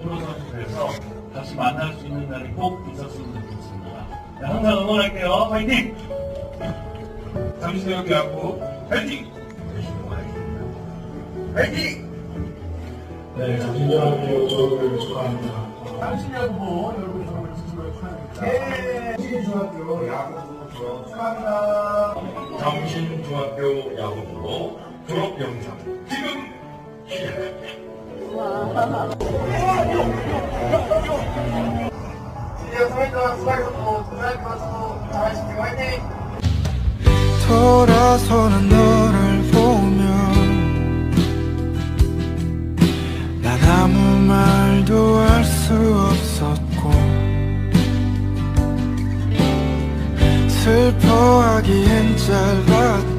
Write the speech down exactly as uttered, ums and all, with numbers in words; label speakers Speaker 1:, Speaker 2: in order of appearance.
Speaker 1: 프로선수에서 같이 만날 수 있는 날이 꼭 있었으면 좋겠습니다. 네, 항상 응원할게요. 파이팅! 잠시대학교 야구 파이팅! 파이팅!
Speaker 2: 네, 잠실대학교 졸업을 축하합니다.
Speaker 3: 잠실야구부 여러분 졸업을 진심으로 축하드립니다.
Speaker 2: 예!
Speaker 3: 잠실중학교 야구부 졸업 축하합니다.
Speaker 1: 정신중학교 야구부로 졸업 영상 지금 시작합니다.
Speaker 3: 드디어 사회자 수고하셨고 고등학교 수고 잘하십시오. 화이팅!
Speaker 4: 돌아서는 너를 보면 난 아무 말도 할 수 없었고 슬퍼하기엔 짧았던